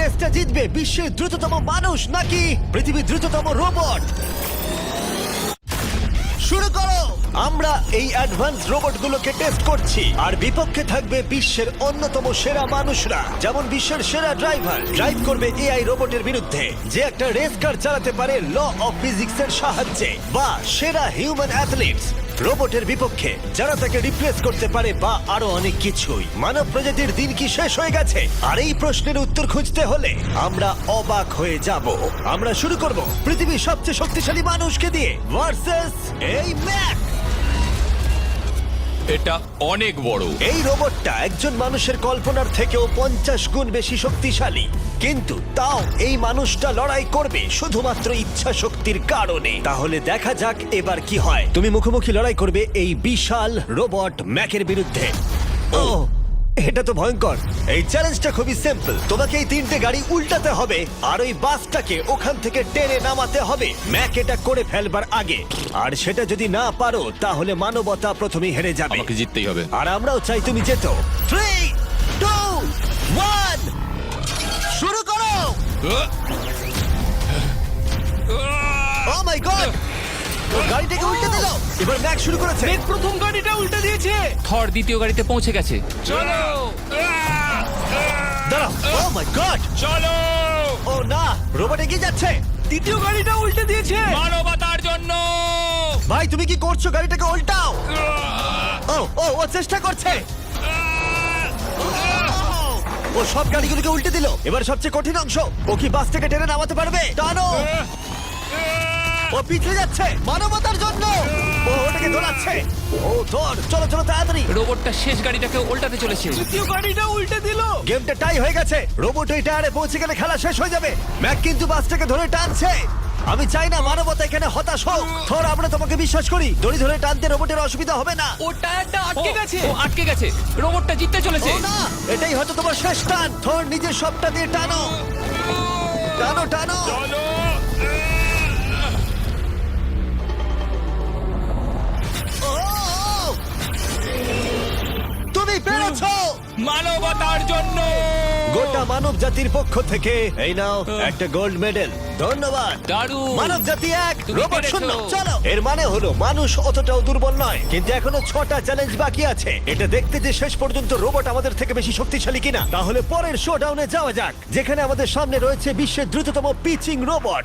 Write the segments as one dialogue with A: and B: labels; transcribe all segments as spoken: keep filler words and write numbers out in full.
A: রেসটা জিতবে বিশ্বের দ্রুততম মানুষ নাকি পৃথিবীর দ্রুততম রোবট? শুরু করো। আমরা এই অ্যাডভান্স রোবটগুলোকে টেস্ট করছি আর বিপক্ষে থাকবে বিশ্বের অন্যতম সেরা মানুষরা, যেমন বিশ্বের সেরা ড্রাইভার ড্রাইভ করবে এআই রোবটের বিরুদ্ধে যে একটা রেস কার চালাতে পারে ল অফ ফিজিক্সের সাহায্যে, বা সেরা হিউম্যান অ্যাথলিটস রোবটের বিপক্ষে যারা তাকে রিপ্লেস করতে পারে, বা আরো অনেক কিছুই। মানব প্রজাতির দিন কি শেষ হয়ে গেছে? আর এই প্রশ্নের উত্তর খুঁজতে হলে আমরা অবাক হয়ে যাব। আমরা শুরু করব পৃথিবীর সবচেয়ে শক্তিশালী মানুষকে দিয়ে ভার্সেস এই ম্যাক।
B: এটা অনেক বড়।
A: এই রোবটটা একজন মানুষের কল্পনার থেকেও পঞ্চাশ গুণ বেশি শক্তিশালী, কিন্তু তাও এই মানুষটা লড়াই করবে শুধুমাত্র ইচ্ছা শক্তির কারণে। তাহলে দেখা যাক এবার কি হয়। তুমি মুখোমুখি লড়াই করবে এই বিশাল রোবট ম্যাকের বিরুদ্ধে। ও, এটা তো ভয়ঙ্কর। এই চ্যালেঞ্জটা খুবই সিম্পল। তোমাকে এই তিনটে গাড়ি উল্টাতে হবে আর ওই বাসটাকে ওখান থেকে টেনে নামাতে হবে ম্যাক এটা করে ফেলবার আগে। আর সেটা যদি না পারো তাহলে মানবতা প্রথমেই হেরে যাবে।
B: আমাকে জিততেই হবে।
A: আর আমরাও চাই তুমি যেতো। থ্রি টু ওয়ান শুরু করো। ও মাই গড, গাড়িটাকে উল্টে দিল। এবার ম্যাক শুরু করেছে।
C: প্রথম গাড়িটা উল্টে দিয়েছে।
D: থর দ্বিতীয় গাড়িতে পৌঁছে গেছে।
B: চলো
A: দাঁড়াও। ও মাই গড,
B: চলো।
A: ও না, রোবট এগিয়ে যাচ্ছে।
C: দ্বিতীয় গাড়িটা উল্টে দিয়েছে।
B: মানবতার জন্য।
A: ভাই তুমি কি করছো? গাড়িটাকে উল্টাও। ও ও ও চেষ্টা করছে। ও সব গাড়িগুলোকে উল্টে দিল। এবার সবচেয়ে কঠিন অংশ, ও কি বাস থেকে টেনে নামাতে পারবে? টানো। ও পিছলে যাচ্ছে মানবতার জন্য। ও ওটাকে দোলাচ্ছে। ও ধর, চলো চলো তাড়াতাড়ি।
D: রোবটটা শেষ গাড়িটাকে উল্টাতে চলেছে।
C: দ্বিতীয় গাড়িটা উল্টে দিল।
A: গেমটা টাই হয়ে গেছে। রোবট এই টায়ারে পৌঁছে গেলে খেলা শেষ হয়ে যাবে। ম্যাক কিন্তু বাসটাকে ধরে টানছে। আমি চাই না মানবতা এখানে হতাশ হোক। থর, আমরা তোমাকে বিশ্বাস করি। দড়ি ধরে টানতে রোবটের অসুবিধা হবে না।
C: ও টায়ারটা আটকে গেছে।
D: ও আটকে গেছে। রোবটটা জিততে চলেছে।
A: ও না, এটাই হয়তো তোমার শেষ টান। থর, নিজের সবটা দিয়ে টানো টানো টানো।
B: চলো।
A: ও, তুমি পেরেছো।
B: মানবতার জন্য।
A: গোটা মানব জাতির পক্ষ থেকে এই নাও একটা গোল্ড মেডেল। ধন্যবাদ।
D: দারুণ।
A: মানব জাতি এক,
D: তুমি
A: রোবট
D: পেরেছো।
A: শূন্য। চলো। এর মানে হলো মানুষ অতটাও দুর্বল নয়, কিন্তু এখনো ছটা চ্যালেঞ্জ বাকি আছে। এটা দেখতে যে শেষ পর্যন্ত রোবট আমাদের থেকে বেশি শক্তিশালী কিনা। তাহলে পরের শোডাউনে যাওয়া যাক, যেখানে আমাদের সামনে রয়েছে বিশ্বের দ্রুততম পিচিং রোবট।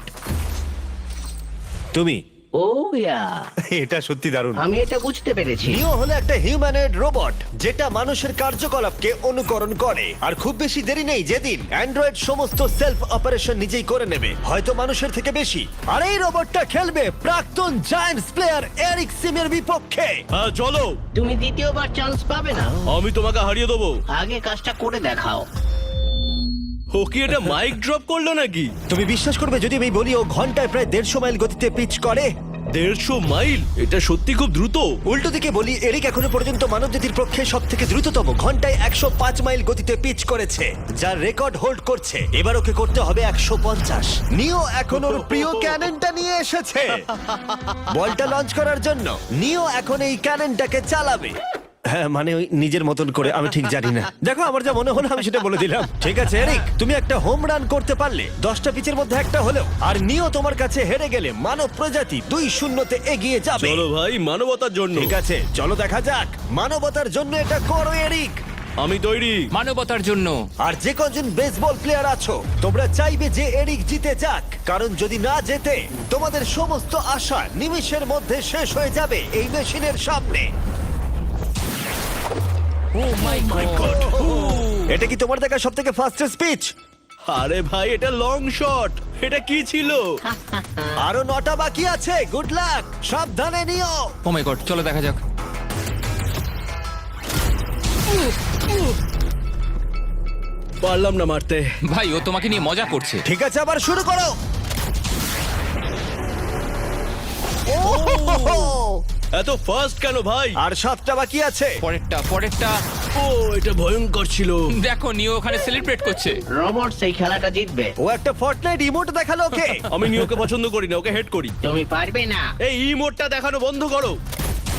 A: তুমি
E: ও ইয়া,
A: এটা সত্যি দারুণ।
E: আমি এটা বুঝতে পেরেছি।
A: নিও হলো একটা হিউম্যানয়েড রোবট যেটা মানুষের কার্যকলাপকে অনুকরণ করে। আর খুব বেশি দেরি নেই যেদিন অ্যান্ড্রয়েড সমস্ত সেলফ অপারেশন নিজেই করে নেবে, হয়তো মানুষের থেকে বেশি। আর এই রোবটটা খেলবে প্রাক্তন জায়ান্টস প্লেয়ার এরিক সিমের বিপক্ষে।
F: হ্যাঁ চলো,
E: তুমি দ্বিতীয়বার চান্স পাবে না।
F: আমি তোমাকে হারিয়ে দেবো।
E: আগে কাজটা করে দেখাও।
F: ও কি এটা মাইক ড্রপ করলো নাকি?
A: তুমি বিশ্বাস করবে যদি আমি বলি ও ঘন্টায় প্রায় দেড়শো মাইল গতিতে পিচ করে?
F: দেড়শো মাইল? এটা সত্যি খুব দ্রুত।
A: উল্টো দিকে বলি, এরিক এখনো পর্যন্ত মানবজাতির পক্ষে সব থেকে দ্রুততম ঘন্টায় একশো পাঁচ মাইল গতিতে পিচ করেছে, যার রেকর্ড হোল্ড করছে। এবার ওকে করতে হবে একশো পঞ্চাশ। নিও এখন ওর প্রিয় ক্যাননটা নিয়ে এসেছে বলটা লঞ্চ করার জন্য। নিও এখন এই ক্যাননটাকে চালাবে। হ্যাঁ, মানে ওই নিজের মতন করে, আমি ঠিক জানি না। দেখো, আমার যা মনে হলো আমি সেটা বলে দিলাম। ঠিক আছে এরিক, তুমি একটা হোম রান করতে পারলে দশটা পিচের মধ্যে একটা হলেও, আর নিও তোমার কাছে হেরে গেলে মানব প্রজাতি দুই শূন্যতে এগিয়ে যাবে।
F: চলো ভাই, মানবতার জন্য।
A: ঠিক আছে, চলো দেখা যাক। মানবতার জন্য এটা করো এরিক।
F: আমি তৈরি।
D: মানবতার জন্য।
A: আর যে কজন বেসবল প্লেয়ার আছো, তোমরা চাইবে যে এরিক জিতে যাক, কারণ যদি না জেতে তোমাদের সমস্ত আশা নিমেষের মধ্যে শেষ হয়ে যাবে এই মেশিনের সামনে।
D: Oh my god.
A: এটা কি তোমার দেখা সব থেকে ফাস্টেস্ট স্পিচ?
F: আরে ভাই, এটা লং শট। এটা কি ছিল?
A: আরো নটা বাকি আছে। গুড লাক, সাবধানে নিও।
D: ও মাই গড, চলো দেখা যাক।
F: পারলাম না মারতে।
D: ভাই, ও তোমাকে নিয়ে মজা করছে।
A: ঠিক আছে, আবার শুরু করো। ও,
F: এত ফাস্ট কেন ভাই?
A: আর সাতটা বাকি আছে।
D: পরেরটা পরেরটা।
F: ও, এটা ভয়ঙ্কর ছিল।
D: দেখো, নিও ওখানে সেলিব্রেট করছে।
E: রোবট সেই খেলাটা জিতবে।
A: ও একটা ফর্টনাইট ইমোট দেখালো ওকে।
F: আমি নিয়োকে পছন্দ করি না, ওকে হেড করি।
E: তুমি পারবে না।
F: এই ইমোটটা দেখানো বন্ধ করো।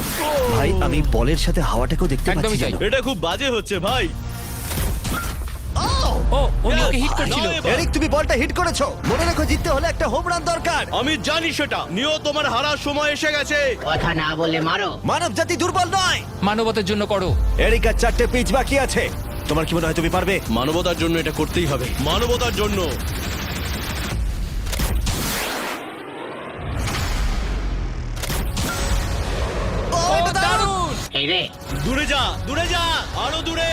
A: ভাই, আমি বলের সাথে হাওয়াটাকেও দেখতে
D: একদমই
A: পাচ্ছি।
D: তাই।
A: জানো?
F: এটা খুব বাজে হচ্ছে ভাই।
D: ও ও নিওকে হিট করছিল।
F: নাও এবার।
A: এরিক তুমি বলটা হিট করেছো, মনে রেখো জিততে হলে একটা হোম রান দরকার।
F: আমি জানি সেটা। নিও, তোমার হারার সময় এসে গেছে।
E: কথা না বলে মারো।
A: মানব জাতি দুর্বল নয়।
D: মানবতার জন্য করো।
A: এরিক আর চারটে পিচ বাকি আছে, তোমার কি মনে হয় তুমি পারবে?
F: মানবতার জন্য এটা করতেই হবে, মানবতার জন্য।
A: ও, এটা দারুণ!
E: এই রে,
F: দূরে যা, দূরে যা, আরো দূরে।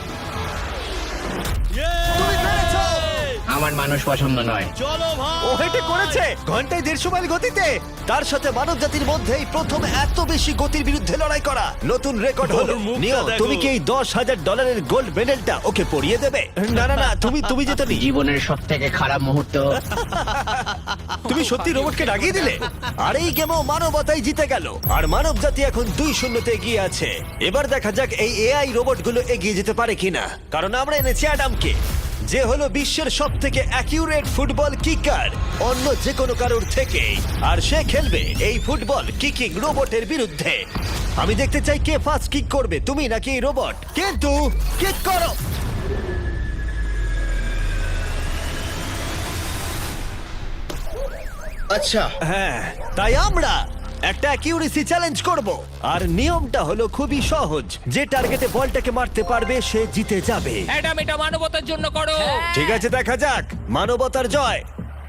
A: তুমি পেরেছো!
E: আমার মানুষ পছন্দ নয়।
F: চলো ভাই।
A: ও হেটে করেছে ঘন্টায় দেড়শো মাইল গতিতে, তার সাথে মানব জাতির মধ্যেই প্রথম এত বেশি গতির বিরুদ্ধে লড়াই করা নতুন রেকর্ড হলো।
F: ওর মুখটা
A: নিও,
F: দেখো।
A: তুমি কি এই দশ হাজার ডলারের গোল্ড মেডেলটা ওকে পরিয়ে দেবে? না না না, তুমি তুমি যেতে নি।
E: জীবনের সব থেকে খারাপ মুহূর্ত।
A: তুমি সত্যি রোবটকে ডাকিয়ে দিলে। আর এই গেমও মানবতাই জিতে গেল, আর মানব জাতি এখন দুই শূন্যতে এগিয়ে আছে। এবার দেখা যাক এই এআই রোবটগুলো এগিয়ে যেতে পারে কিনা, কারণ আমরা এনেছি অ্যাডামকে, যে হলো বিশ্বের সব থেকে অ্যাকিউরেট ফুটবল কিকার অন্য যে কোনো কারোর থেকে, আর সে খেলবে এই ফুটবল কিকিং রোবটের বিরুদ্ধে। আমি দেখতে চাই কে ফার্স্ট কিক করবে, তুমি নাকি এই রোবট। কিন্তু কিক করো।
F: আচ্ছা,
A: হ্যাঁ, তাই আমরা একটা অ্যাকিউরেসি চ্যালেঞ্জ করব, আর নিয়মটা হলো খুবই সহজ। যে টার্গেটে বলটাকে মারতে পারবে সে জিতে যাবে।
D: অ্যাডাম, এটা মানবতার জন্য করো।
A: ঠিক আছে, দেখা যাক মানবতার জয়।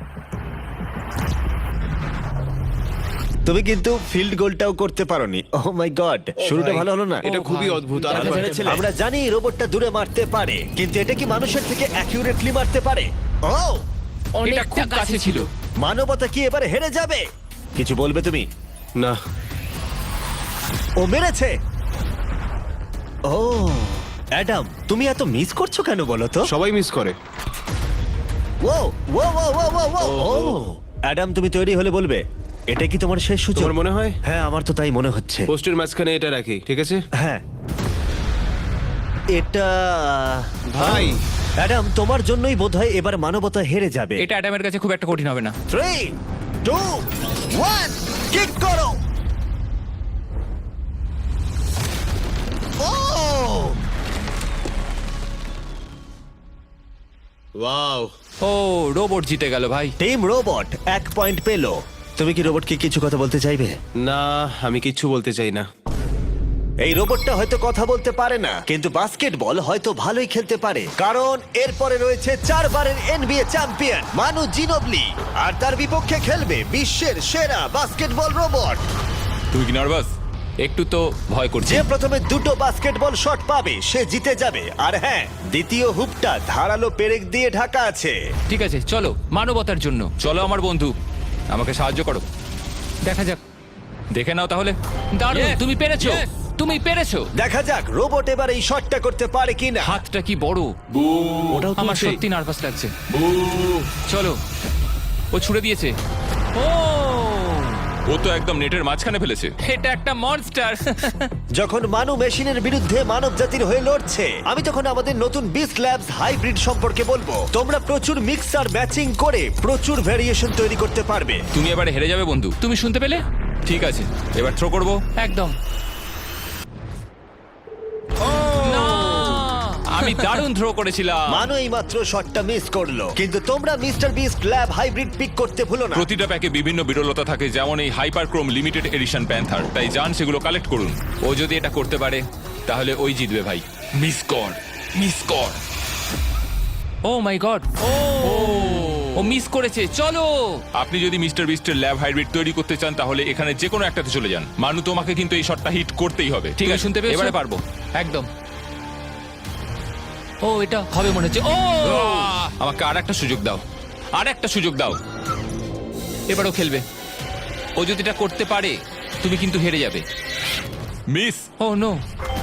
A: তুমি কিন্তু ফিল্ড গোলটাও করতে পারোনি। ওহ মাই গড, শুরুটা ভালো হলো না।
F: এটা খুবই অদ্ভুত। আর
A: আমরা জানি রোবটটা দূরে মারতে পারে, কিন্তু এটা কি মানুষের থেকে অ্যাকিউরেটলি মারতে পারে? ও,
D: এটা খুব কাছে ছিল।
A: মানবতা কি এবারে হেরে যাবে? কিছু বলবে তুমি?
F: না,
A: ও মেরেছে। ও অ্যাডাম, তুমি এত মিস করছো কেন বলো তো?
F: সবাই মিস করে।
A: ও ও ও ও ও ও ও অ্যাডাম, তুমি তৈরি হলে বলবে। এটা কি তোমার শেষ সূচক?
F: তোমার মনে হয়?
A: হ্যাঁ, আমার তো তাই মনে হচ্ছে।
F: পোস্টের মাঝখানে এটা রাখি, ঠিক আছে?
A: হ্যাঁ, এটা
F: ভাই।
A: অ্যাডাম, তোমার জন্যই বোধহয় এবার মানবতা হেরে যাবে।
D: এটা অ্যাডামের কাছে খুব একটা কঠিন হবে না।
A: থ্রি টু ওয়ান, কিক করো। ও
F: ওয়াও।
D: ও, রোবট জিতে গেল ভাই।
A: টিম রোবট এক পয়েন্ট পেলো। তুমি কি রোবটকে কিছু কথা বলতে চাইবে?
F: না, আমি কিচ্ছু বলতে চাই না।
A: এই রোবটটা হয়তো কথা বলতে পারে না, কিন্তু বাস্কেটবল হয়তো ভালোই খেলতে পারে, কারণ এরপরে রয়েছে চারবারের এনবিএ চ্যাম্পিয়ন মানু জিনোবলি, আর তার বিপক্ষে খেলবে বিশ্বের সেরা বাস্কেটবল রোবট।
D: তুই কি নার্ভাস? একটু তো ভয় করছে।
A: যে প্রথমে দুটো বাস্কেটবল শট পাবে সে জিতে যাবে। আর হ্যাঁ, দ্বিতীয় হুপটা ধারালো পেরেক দিয়ে ঢাকা আছে।
D: ঠিক আছে, চলো মানবতার জন্য। চলো আমার বন্ধু, আমাকে সাহায্য করো। দেখা যাক, দেখে নাও তাহলে। দারুণ,
B: Yes!
D: তুমি পেরেছো,
B: Yes!
D: তুমি পেরেছো।
A: দেখা যাক রোবট এবার এই শটটা করতে পারে কিনা।
D: হাতটা কি বড়!
F: ওটাও
D: আমার
F: তুলছে।
D: সত্যি নার্ভাস লাগছে। চলো, ও ছুড়ে দিয়েছে। ও,
B: ও তো একদম নেটের মাঝখানে ফেলেছে।
D: এটা একটা মনস্টার।
A: যখন মানু মেশিনের বিরুদ্ধে মানব জাতির হয়ে লড়ছে, আমি তখন আমাদের নতুন বিস্ট ল্যাবস হাইব্রিড সম্পর্কে বলবো। তোমরা প্রচুর মিক্সার ম্যাচিং করে প্রচুর ভেরিয়েশন তৈরি করতে পারবে।
B: তুমি এবারে হেরে যাবে বন্ধু।
D: তুমি শুনতে পেলে?
B: ঠিক আছে, এবার থ্রো করবো।
D: একদম। না! আমি দারুণ থ্রো করেছিলাম।
A: মানু এই মাত্র শটটা মিস করলো, কিন্তু তোমরা Mister Beast lab hybrid pick করতে ভুলো না।
B: প্রতিটা প্যাকে বিভিন্ন বিরলতা থাকে, যেমন এই হাইপারক্রোম লিমিটেড এডিশন প্যান্থার। তাই যান সেগুলো কালেক্ট করুন।
D: ও যদি এটা করতে পারে তাহলে ওই জিতবে ভাই।
B: মিস কর, মিস কর।
D: ও my god! O O miss করেছে। চলো,
B: আপনি যদি মিস্টার বিস্টের ল্যাব হাইব্রিড তৈরি করতে চান তাহলে এখানে যে কোনো একটাতে চলে যান। মানু, তোমাকে কিন্তু এই শটটা হিট করতেই হবে।
D: ঠিক আছে, শুনতে পেয়েছো?
B: এবারে পারবো।
D: একদম। ও, এটা হবে মনে হচ্ছে। ও,
B: আহ! আমাকে আর একটা সুযোগ দাও, আর একটা সুযোগ দাও।
D: এবারও খেলবে। ও যদি এটা করতে পারে তুমি কিন্তু হেরে যাবে।
B: মিস।
D: ও নো,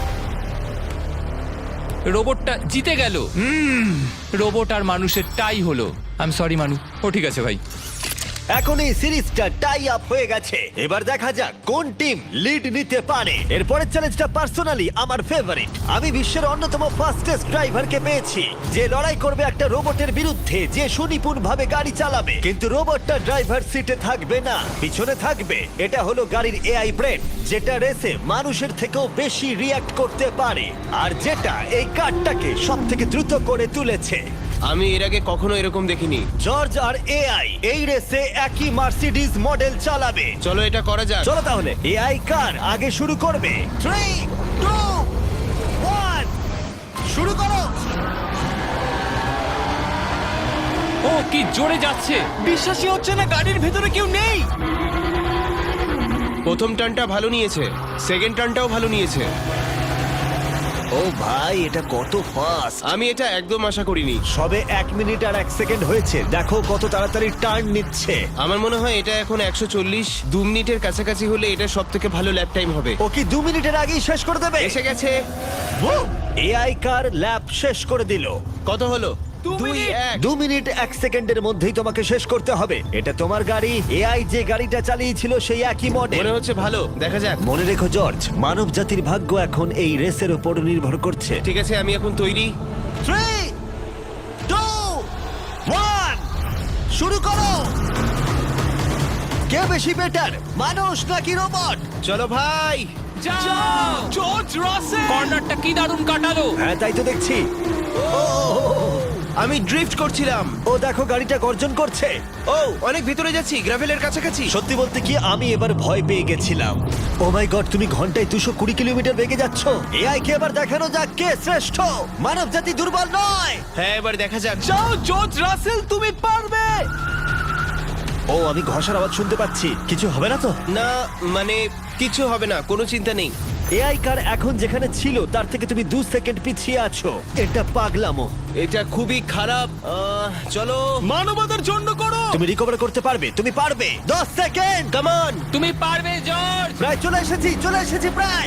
D: রোবটটা জিতে গেল। রোবট আর মানুষের টাই হলো। আই এম সরি মানু।
B: ও ঠিক আছে ভাই।
A: এখন এই সিরিজটা টাই আপ হয়ে গেছে। এবার দেখা যাক কোন টিম লিড নিতে পারে। এরপরের চ্যালেঞ্জটা পার্সোনালি আমার ফেভারিট। আমি বিশ্বের অন্যতম ফাস্টেস্ট ড্রাইভারকে পেয়েছি, যে লড়াই করবে একটা রোবটের বিরুদ্ধে যে সুনিপুণ ভাবে গাড়ি চালাবে। কিন্তু রোবটটা ড্রাইভার সিটে থাকবে না, পিছনে থাকবে। এটা হলো গাড়ির এআই ব্রেন, যেটা রেসে মানুষের থেকেও বেশি রিয়্যাক্ট করতে পারে, আর যেটা এই কারটাকে সব থেকে দ্রুত করে তুলেছে।
G: আমি এর আগে কখনো এরকম দেখিনি।
A: জর্জ আর এআই এই রেসে একই মার্সিডিজ মডেল চালাবে।
G: চলো এটা করা যাক।
A: চলো তাহলে এআই কার আগে শুরু করবে। থ্রি টু ওয়ান শুরু করো।
D: ও কি জোরে যাচ্ছে!
C: বিশ্বাসই হচ্ছে না গাড়ির ভেতরে কেউ নেই।
G: প্রথম টার্নটা ভালো নিয়েছে, সেকেন্ড টার্নটাও ভালো নিয়েছে।
A: ও ভাই, এটা কত ফাস্ট!
G: আমি এটা একদম আশা করিনি।
A: সবে এক মিনিট আর এক সেকেন্ড হয়েছে, দেখো কত তাড়াতাড়ি টার্ন নিচ্ছে।
G: আমার মনে হয় এটা এখন একশো চল্লিশ দু মিনিটের কাছাকাছি হলে এটা সব থেকে ভালো ল্যাপ টাইম হবে।
A: ও কি দু মিনিটের আগেই শেষ করে দেবে?
G: এসে গেছে।
A: এআই কার ল্যাব শেষ করে দিল।
G: কত হলো?
C: দু
G: দুই
C: মিনিট।
G: এক।
A: দু মিনিট এক সেকেন্ডের মধ্যেই তোমাকে শেষ করতে হবে। এটা তোমার গাড়ি, এআই যে গাড়িটা চালিয়েছিল সেই একই মডেল।
G: মনে হচ্ছে ভালো, দেখা যাক।
A: মনে রেখো জর্জ, মানব জাতির ভাগ্য এখন এই রেসের উপর নির্ভর করছে।
G: ঠিক আছে, আমি এখন তৈরি।
A: থ্রি টু ওয়ান শুরু করো। কে বেশি বেটার, মানুষ নাকি রোবট?
G: চলো ভাই।
D: যাও!
C: জর্জ রাসেল।
D: কর্নারটা কি দারুণ কাটালো!
A: হ্যাঁ, তাই তো দেখছি। ও,
G: আমি ড্রিফট করছিলাম।
A: ও দেখো গাড়িটা গর্জন করছে।
G: ও অনেক ভিতরে যাচ্ছি, গ্রাভেলের কাছাকাছি।
A: সত্যি বলতে কি, আমি এবার ভয় পেয়ে গেছিলাম। ও মাই গড, তুমি ঘন্টায় দুশো কুড়ি কিলোমিটার বেগে যাচ্ছ। এআই কে এবার দেখানো যাক কে শ্রেষ্ঠ। মানব জাতি দুর্বল নয়।
G: হ্যাঁ, এবার দেখা যাক।
C: যাও জর্জ রাসেল, তুমি পারবে।
A: ও, আমি ঘষার আওয়াজ শুনতে পাচ্ছি। কিছু হবে না তো?
G: না, মানে কিছু হবে না, কোনো চিন্তা নেই।
A: এআই কার এখন যেখানে ছিল তার থেকে তুমি দু সেকেন্ড পিছিয়ে আছো। এটা পাগলামো।
G: এটা খুবই খারাপ। আহ, চলো।
C: মানবতার জন্য করো।
A: তুমি রিকভার করতে পারবে, তুমি পারবে। দশ সেকেন্ড, কাম অন।
D: তুমি পারবে জর্জ!
A: প্রায় চলে এসেছি, চলে এসেছি প্রায়।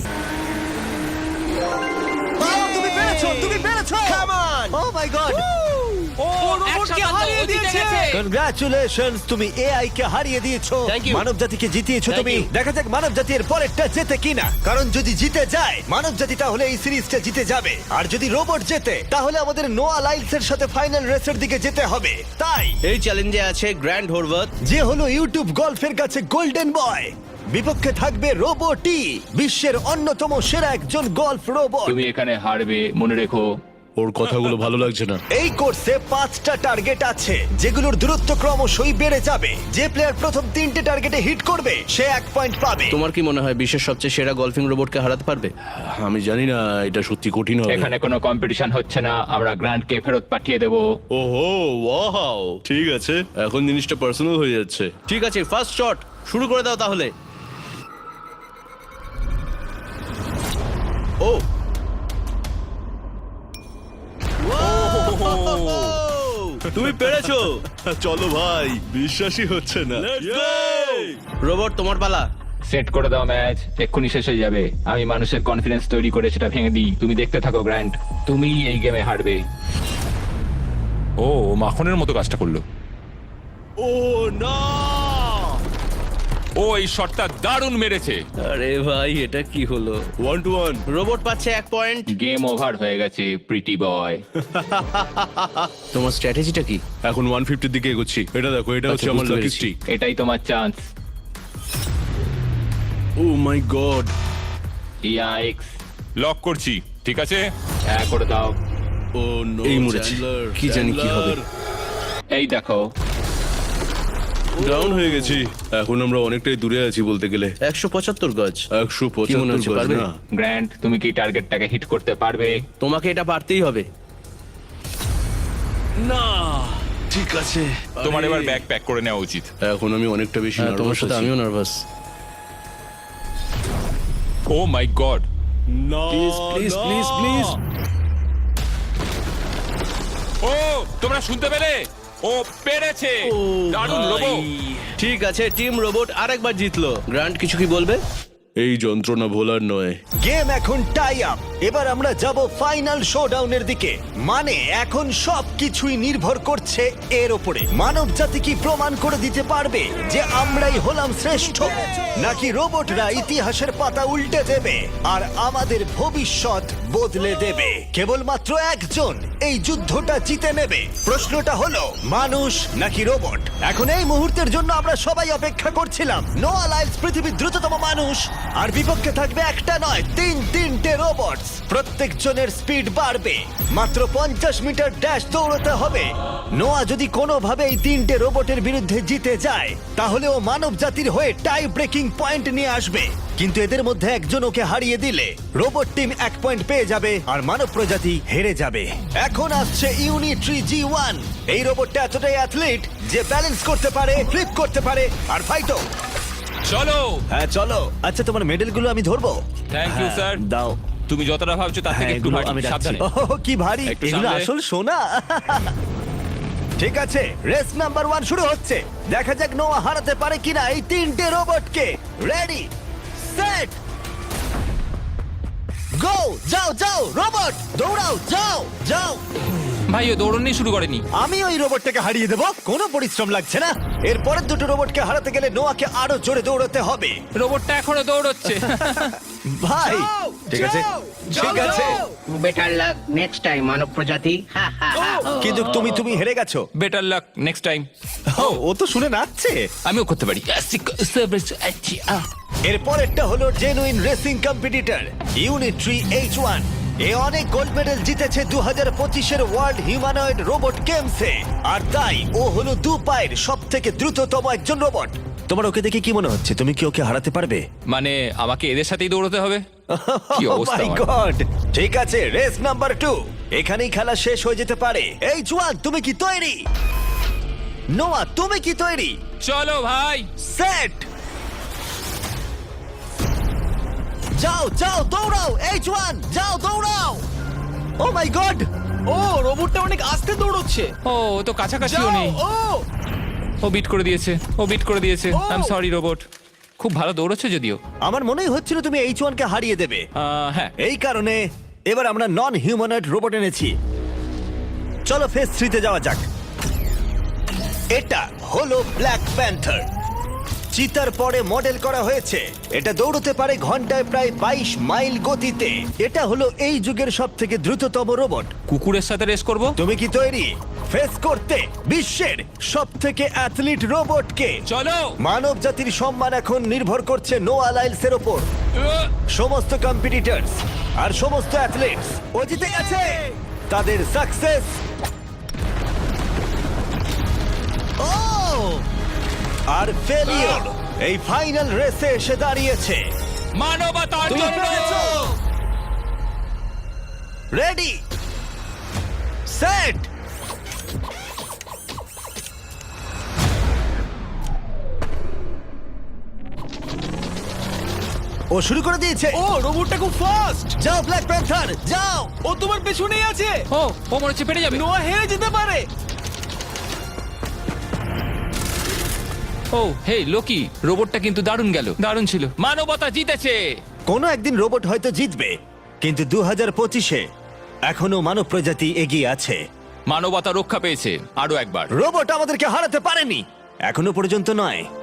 A: ও, তুমি পেরেছো, তুমি পেরেছো।
G: Come on.
A: O my god,
C: ও রোবটকে হারিয়ে দিয়েছে।
A: কনগ্রাচুলেশনস, তুমি এআই কে হারিয়ে দিয়েছো।
G: Thank you.
A: মানব জাতিকে জিতিয়েছো
G: Thank
A: তুমি।
G: you.
A: দেখা যাক মানব জাতি এর পরেরটা জেতে কিনা। কারণ যদি জিতে যায় মানব জাতি, তাহলে এই সিরিজটা জিতে যাবে। আর যদি রোবট জেতে, তাহলে আমাদের নোয়া লাইলস এর সাথে ফাইনাল রেসের দিকে যেতে হবে। তাই
G: এই চ্যালেঞ্জে আছে গ্র্যান্ড হোরভাত।
A: যে হলো ইউটিউব গল্ফের কাছে গোল্ডেন বয়, বিপক্ষে থাকবে রোবটি, বিশ্বের অন্যতম সেরা একজন গল্ফ রোবট।
D: তুমি এখানে হারবে, মনে রেখো।
F: ওর কথাগুলো ভালো লাগছে না।
A: এই কোর্সে পাঁচটা টার্গেট আছে, যেগুলোর দূরত্ব ক্রমশই বেড়ে যাবে। যে প্লেয়ার প্রথম তিনটে টার্গেটে হিট করবে সে এক পয়েন্ট পাবে।
H: তোমার কি মনে হয় বিশ্বের সবচেয়ে সেরা গলফিং রোবটকে হারাতে পারবে?
F: আমি জানি না, এটা সত্যি কঠিন হবে।
D: এখানে কোনো কম্পিটিশন হচ্ছে না, আমরা গ্র্যান্ডকে ফেরত পাঠিয়ে দেবো।
F: ওহো, ওয়াও, ঠিক আছে, এখন জিনিসটা পার্সোনাল হয়ে যাচ্ছে।
H: ঠিক আছে, ফার্স্ট শট শুরু করে দাও তাহলে।
F: ও, তুমি পেরেছো। চলো ভাই, বিশ্বাসই হচ্ছে না।
H: রোবট তোমার পালা।
D: সেট করে দাও ম্যাচ, এক্ষুনি শেষ হয়ে যাবে। আমি মানুষের কনফিডেন্স তৈরি করে সেটা ভেঙে দিই। তুমি দেখতে থাকো গ্র্যান্ড, তুমি এই গেমে হারবে।
B: ও ও মাখনের মতো কাজটা করলো।
F: ও না,
B: ও এই শটটা দারুণ মেরেছে।
H: আরে ভাই, এটা কি হলো?
F: One two one.
H: রোবট পাচ্ছে এক পয়েন্ট।
D: গেম ওভার হয়ে গেছে, প্রিটি বয়।
H: তোমার স্ট্র্যাটেজিটা কি?
F: এখন ওয়ান ফিফটির দিকে এগোচ্ছি। এটা দেখো, এটা হচ্ছে
H: আচ্ছা,
F: আমার
H: বুঝতে
F: লাকি
H: পেরেছি।
F: স্ট্রিক।
D: এটাই তোমার chance.
F: Oh my god.
D: Yikes,
B: lock করছি, ঠিক আছে?
D: হ্যাঁ করে দাও।
F: ও নো,
H: এই মরেছি। কি জানি কি হবে।
D: এই দেখো,
F: ডাউন হয়ে গেছি। এখন আমরা অনেকটাই দূরে আছি বলতে গেলে।
H: একশো পঁচাত্তর গজ।
F: একশো
H: কি মনে
F: পঁচাত্তর
H: হচ্ছে,
F: গজ
H: পারবে?
F: না।
D: গ্র্যান্ড তুমি কি টার্গেটটাকে হিট করতে পারবে?
H: তোমাকে এটা পারতেই হবে।
F: না, ঠিক আছে।
B: তোমার
F: আরে,
B: এবার ব্যাগ প্যাক করে নেওয়া উচিত।
F: এখন আমি অনেকটা বেশি
H: হ্যাঁ, তোমার
F: নার্ভাস
H: সাথে
F: আছি।
H: আমিও নার্ভাস।
B: ও মাই গড,
F: না,
H: প্লিজ প্লিজ
F: না।
H: Please please.
B: ও তোমরা শুনতে পেলে? ও পেরেছে, দারুণ লোবো।
H: ঠিক আছে, টিম রোবট আরেকবার জিতলো। গ্র্যান্ড কিছু কি বলবে?
F: এই যন্ত্রণা ভোলার নয়।
A: গেম এখন টাই আপ। এবার আমরা যাব ফাইনাল শোডাউনের দিকে। মানে এখন সব কিছুই নির্ভর করছে এর উপরে। মানব জাতি কি প্রমাণ করে দিতে পারবে যে আমরাই হলাম শ্রেষ্ঠ, নাকি রোবটরা ইতিহাসের পাতা উল্টে দেবে আর আমাদের ভবিষ্যৎ বদলে দেবে? কেবলমাত্র একজন এই যুদ্ধটা জিতে নেবে। প্রশ্নটা হলো মানুষ নাকি রোবট? এখন এই মুহূর্তের জন্য আমরা সবাই অপেক্ষা করছিলাম। নোয়া লাইলস পৃথিবীর দ্রুততম মানুষ, আর বিপক্ষে থাকবে একটা নয় তিন তিনটে রোবট। প্রত্যেকজনের স্পিড বাড়বে। মাত্র পঞ্চাশ মিটার ড্যাশ দৌড়তে হবে। নোয়া যদি কোনোভাবে এই তিনটে রোবটের বিরুদ্ধে জিতে যায়, তাহলে ও মানব জাতির হয়ে টাই ব্রেকিং পয়েন্ট নিয়ে আসবে। কিন্তু এদের মধ্যে একজন ওকে হারিয়ে দিলে রোবট টিম এক পয়েন্ট পেয়ে যাবে আর মানব প্রজাতি হেরে যাবে। এখন আসছে ইউনিট্রি জি ওয়ান। এই রোবটটা এতটাই অ্যাথলিট যে ব্যালেন্স করতে পারে, ফ্লিপ করতে পারে আর ফাইটও।
B: চলো।
A: হ্যাঁ চলো। আচ্ছা, তোমার মেডেলগুলো আমি ধরবো?
B: Thank you,
A: হ্যাঁ,
B: sir.
A: দাও।
B: তুমি যতটা ভাবছো তার
A: হ্যাঁ,
B: থেকে একটু
A: এগুলো
B: ভারী।
A: আমি রাখছি।
B: সাবধানে।
A: ওহ, কি ভারী!
B: একটু
A: এগুলো
B: সামলে।
A: আসল সোনা। ঠিক আছে, রেস নাম্বার ওয়ান শুরু হচ্ছে। দেখা যাক নোয়া হারাতে পারে কিনা এই তিনটে রোবটকে। Ready, set, go! যাও যাও রোবট, দৌড়াও, যাও যাও।
D: ভাই ও দৌড়নি শুরু করেনি।
A: আমি ওই রোবটটাকে হারিয়ে দেবো, কোনো পরিশ্রম লাগছে না। এরপরের দুটো রোবটকে হারাতে গেলে নোয়াকে আরো জোরে দৌড়াতে হবে।
D: রোবটটা এখনো দৌড়চ্ছে।
A: ভাই
C: যাও,
A: ঠিক আছে,
C: যাও,
A: ঠিক
C: যাও,
A: আছে,
C: যাও।
E: বেটার লাক নেক্সট টাইম মানব প্রজাতি। হা, হা, হা।
A: কিন্তু তুমি তুমি হেরে গেছো।
D: Better luck next time.
A: ও, ও তো শুনে নাচছে।
D: আমিও করতে পারি।
A: এরপরেরটা হলো genuine racing competitor Unitree H one. এ অনেক গোল্ড মেডেল জিতেছে দু হাজার পঁচিশের ওয়ার্ল্ড হিউম্যানয়েড রোবট গেমসে, আর তাই ও হলো দু পায়ের সব থেকে দ্রুততম একজন রোবট। তোমার ওকে দেখে কি মনে হচ্ছে? তুমি কি ওকে হারাতে পারবে?
D: মানে আমাকে এদের সাথেই দৌড়তে হবে? কি
A: Oh
D: অবস্থা
A: my
D: আমার।
A: God! ঠিক আছে, রেস নাম্বার টু। এখানেই খেলা শেষ হয়ে যেতে পারে। এই জোয়ান, তুমি কি তৈরি? নোয়া, তুমি কি তৈরি?
D: চলো ভাই।
A: সেট, যাও যাও দৌড়াও। এই জোয়ান, যাও দৌড়াও। ও মাই গড!
C: ও রোবটটা অনেক আস্তে দৌড়চ্ছে।
D: ও ও তো কাছাকাছিও
C: যাও,
D: নেই।
C: ও
D: ও বিট করে দিয়েছে, ও বিট করে দিয়েছে।
C: Oh!
D: I am sorry robot. খুব ভালো দৌড়চ্ছে যদিও।
A: আমার মনেই হচ্ছিল তুমি এইচ ওয়ান কে হারিয়ে দেবে।
D: আহ, হ্যাঁ।
A: এই কারণে এবার আমরা নন হিউম্যানয়েড রোবট এনেছি। চলো ফেজ থ্রিতে যাওয়া যাক। এটা হলো ব্ল্যাক প্যান্থার। চিতার পরে মডেল করা হয়েছে। এটা দৌড়তে পারে ঘন্টায় প্রায় বাইশ মাইল গতিতে। এটা হলো এই যুগের সব থেকে দ্রুততম রোবট।
D: কুকুরের সাথে রেস করব।
A: তুমি কি তৈরি ফেস করতে বিশ্বের সব থেকে অ্যাথলিট রোবটকে?
D: চলো।
A: মানব জাতির সম্মান এখন নির্ভর করছে নোয়া লাইলসের ওপর।
D: আহ,
A: সমস্ত কম্পিটিটরস আর সমস্ত অ্যাথলেটস ও জিতে গেছে। তাদের সাকসেস ও আর ফেলিওর এই ফাইনাল রেসে এসে দাঁড়িয়েছে।
D: মানবতার
A: তুমি
D: জন্য।
A: পেরেছো। রেডি, সেট, ও শুরু করে দিয়েছে।
C: ও রোবটটা খুব ফাস্ট।
A: যাও ব্ল্যাক প্যান্থার, যাও।
C: ও তোমার পেছনেই আছে।
D: ও ও মনে হচ্ছে পেরে যাবে।
C: নোয়া হেরে যেতে পারে।
D: ও হে লোকি, রোবটটা কিন্তু দারুণ গেল, দারুণ ছিল। মানবতা জিতেছে।
A: কোনো একদিন রোবট হয়তো জিতবে, কিন্তু দু হাজার পঁচিশে এখনো মানব প্রজাতি এগিয়ে আছে।
D: মানবতা রক্ষা পেয়েছে আরো একবার।
A: রোবট আমাদেরকে হারাতে পারেনি, এখনো পর্যন্ত নয়।